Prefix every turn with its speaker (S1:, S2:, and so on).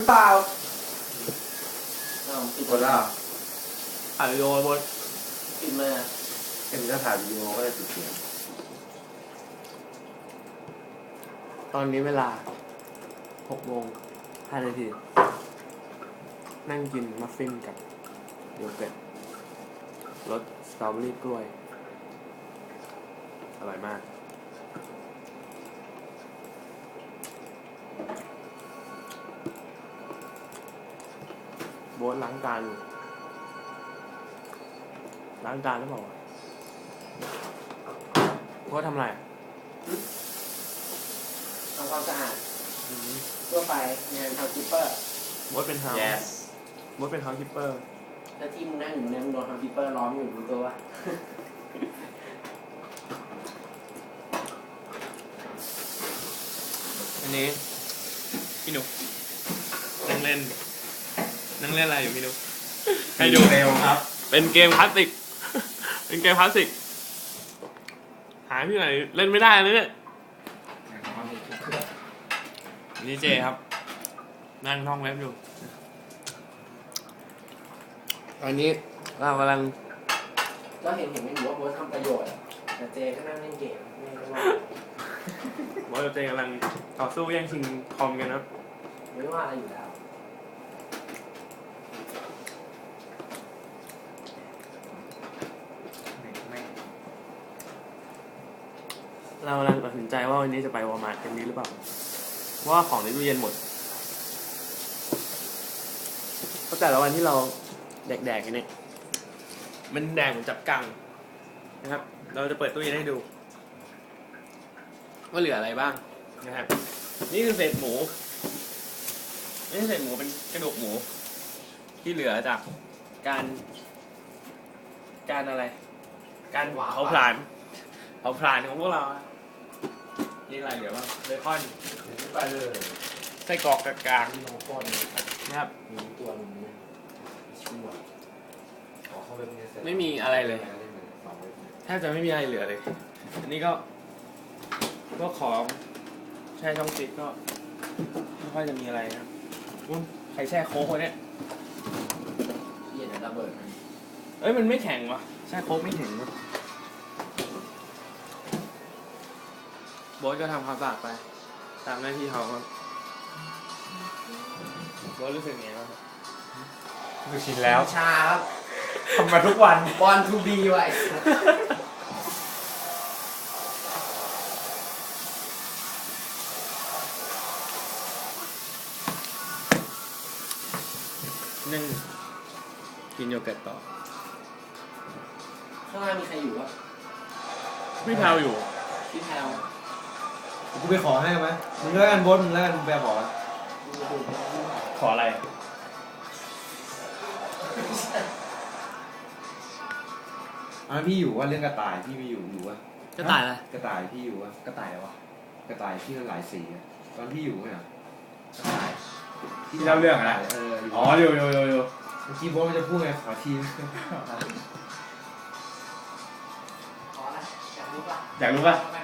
S1: เปล่า
S2: ปิดหมดแล้ว
S1: ถ่ายวิดีโอบน
S2: ปิดมาเอ็มจะถ่ายวิดีโอก็เลยปิดเสียง
S1: ตอนนี้เวลา6:05 นาทีนั่งกินมัฟฟินกับโยเกิร์ตรสสตรอเบอรี่กล้วยอร่อยมากโบ๊ทล้างจานหรือเปล่าวะโบ๊ททำอะไร
S2: ทำความสะอาดทั่วไปงานเฮาส์คีปเปอร์
S1: โบ๊ทเป็นเฮาส์โบ๊ทเป็นเฮาส์คีปเปอร์
S2: แล้วที่มึงนั่งอยู่เนี่ยมึงโดนเฮาส์คีปเปอร์ล้อมอยู่รู้ตัววะ
S1: อันนี้พี่หนุกนั่งเล่นอะไรอยู่พี่หนุกให้ดูเร็วครับเป็นเกมคลาสสิกเป็นเกมคลาสสิกหาที่ไหนเล่นไม่ได้เลยเนี่ยนี่เจครับนั่งท่องเว็บอยู่ตอนนี้เรากำลัง
S2: ก็เห็นไม่รู้ว่าโบ๊ททำประโยชน์แต่เจก็นั่งเล่นเกมไม่ว่า
S1: โบ๊ทกับเจกำลังต่อสู้แย่งชิงคอมกันครับ
S2: ไม่ว่าอะไรอยู่แล้ว
S1: เรากำลังตัดสินใจว่าวันนี้จะไปวอลมาร์ทกันดีหรือเปล่าเพราะว่าของในตู้เย็นหมดเพราะแต่ละวันที่เราแดกกันเนี่ยมันแดกเหมือนจับกังนะครับเราจะเปิดตู้เย็นให้ดูว่าเหลืออะไรบ้างนะครับนี่คือเศษหมูไม่ใช่เศษหมูเป็นกระดูกหมูที่เหลือจากการอะไรการเผาผลาญของพวกเรานี่อะไรเหลือบ้างเบคอน
S2: ไปเลย
S1: ไส้กรอกกลาง
S2: ๆน้องก้อน
S1: นะครับ
S2: มีตัวนึงชั่ว
S1: ไม่มีอะไรเลยแทบจะไม่มีอะไรเหลือเลยอันนี้ก็ของแช่ช่องฟิตก็ไม่ค่อยจะมีอะไรนะใครแช่โค้กเนี่ย
S2: เย็นระเบิด
S1: มันไม่แข็งวะแช่โค้กไม่แข็งวะโบ๊ทก็ทำความสะอาดไปตามหน้าที่เขาครับโบ๊ทรู้สึกไงบ้าง
S3: รู้ชินแล้ว
S2: ชาครับ
S3: ทำมาทุกวัน
S2: บอลทูบีไว้
S1: นึ่งกินโยเกิร์ตต่อ
S2: ข้างล่างมีใครอยู่วะ
S1: พี่แพลวอยู่
S2: พี่แพลว
S3: กูไปขอให้ไหมมึงแล้วกันบดมึงแล้วกันมึงไป
S1: ขออะไร
S3: พี่อยู่ว่าเรื่องกระต่ายพี่ไม่อยู่วะ
S1: กระต่ายอะไร
S3: กระต่ายพี่อยู่วะกระต่ายอะไรวะกระต่ายที่มันหลายสีตอนพี่อยู่ไหมกระต่าย
S1: ที่เล่าเรื่องอะไรอ๋ออยู่
S3: เมื่อกี้บดมันจะพูดไงขอที
S2: อยากรู้ป่ะ
S1: อยากรู้ป่ะ